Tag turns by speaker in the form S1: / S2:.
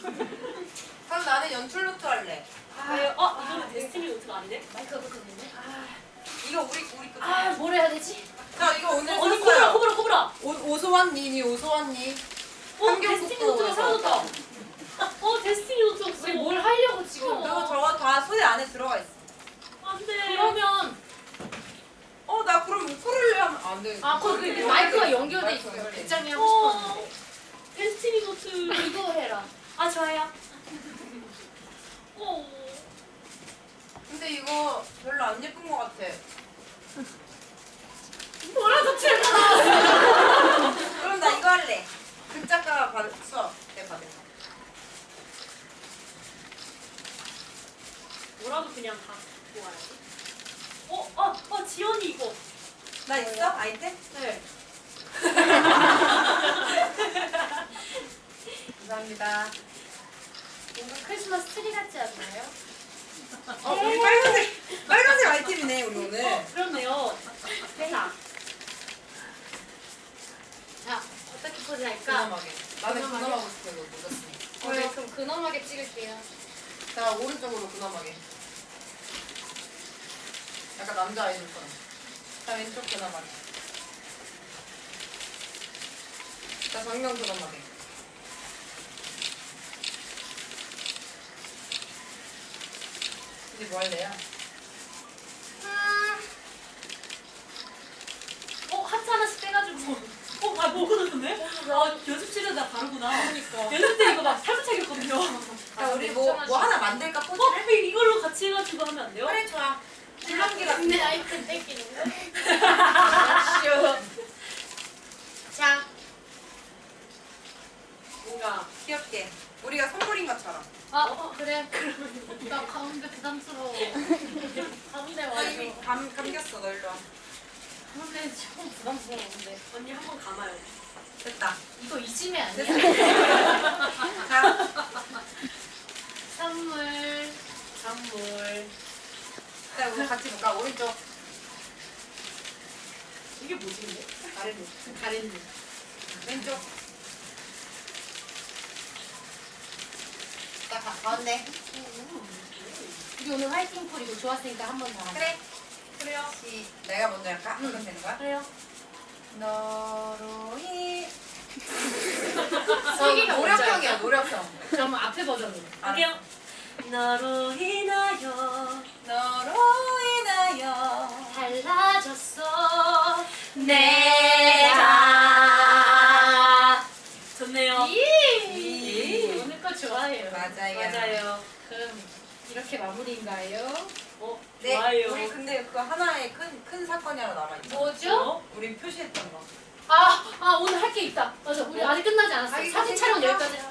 S1: 그럼 나는 연출 노트 할래.
S2: 이거는 데스티니 노트가 아니네?
S3: 마이크가 붙었는데.
S1: 이거 우리 거.
S3: 뭘 해야 되지?
S1: 자 이거 오늘
S2: 언니
S1: 샀어요.
S2: 코브라!
S1: 오소환니 오소환니.
S2: 데스티니 노트가 사라졌다. 데스티니 노트 없어.
S3: 우리 뭘 하려고 지금?
S1: 그리고 저거 다 소재 안에 들어가 있어.
S2: 안 돼.
S3: 그러면
S1: 나 그럼 우쿨렐레 하면 안 돼.
S3: 거기 마이크가 연결돼 있어.
S1: 마이크가 연결돼
S3: 극장이 하고 싶었는데.
S2: 데스티니 노트.
S3: 이거 해라.
S2: 좋아요.
S1: 근데 이거 별로 안 예쁜 것 같아.
S2: 뭐라도 틀어.
S1: 그럼 나 이거 할래. 극작가 수업 때 받은 거.
S2: 뭐라도 그냥 다 모아야지. 지연이 이거.
S1: 나 있어? 아이템?
S3: 네.
S1: 감사합니다.
S3: 뭔가 크리스마스 트리 같지 않나요?
S1: 우리 빨간색 아이템이네 우리 오늘.
S2: 그렇네요. 자,
S3: 자, 어떻게 포즈할까?
S1: 근엄하게. 나는
S3: 근엄하게?
S1: 근엄하고 싶어 이거 늦었으니.
S3: 네, 그럼 근엄하게 찍을게요.
S1: 자 오른쪽으로 근엄하게. 약간 남자 아이돌처럼. 자 왼쪽 근엄하게. 자 정면 근엄하게. 이제 뭐 할래요?
S2: 하트 하나씩 떼가지고. 뭐 그러는데? 연습실에다 바르구나.
S3: 그러니까.
S2: 연습 때 이거 막 살짝 차겼거든요.
S1: 자 우리 뭐 하나 만들까 포즈를?
S2: 이걸로 같이 해가지고 하면 안 돼요?
S1: 그래 좋아. 줄넘기 같은
S3: 근데
S1: 거.
S3: 아이템 땡기는 거? 자,
S2: 뭔가
S1: 귀엽게. 우리가 선물인 것처럼.
S3: 그래. 나 가운데 부담스러워. 가운데
S1: 이미
S3: 와줘.
S1: 감겼어 너 일로 와.
S3: 가운데 조금 부담스러운데.
S2: 언니 한 번 감아요.
S1: 됐다.
S3: 이거 이심이 아니야?
S1: 자
S3: 선물.
S1: 자, 우리 같이 볼까? 오른쪽
S2: 이게 뭐지 근데?
S1: 아래로.
S3: 가린니.
S1: 왼쪽. 자, 가운데.
S3: 우리 오늘 화이팅 콜이고 좋았으니까 한 번 더 하자.
S1: 그래.
S2: 그래요.
S1: 내가 먼저 할까? 하면 되는 거야?
S2: 그래요.
S1: 너로
S3: 슬기가
S1: 노력형이야, 노력형.
S3: 그럼 앞에 버전으로.
S2: 할게요. 너로 인하여
S1: 너로 인하여
S3: 달라졌어
S2: 내가. 좋네요.
S3: 이 오늘 거 좋아해요.
S1: 맞아요.
S3: 그럼 이렇게 마무리인가요?
S1: 네,
S2: 좋아요.
S1: 우리 근데 그 하나의 큰 사건이 하나 남아있어.
S3: 뭐죠?
S1: 우리 표시했던 거.
S3: 오늘 할 게 있다. 맞아. 우리 아직 끝나지 않았어요.
S1: 자기
S3: 사진 촬영
S1: 생각나?
S3: 여기까지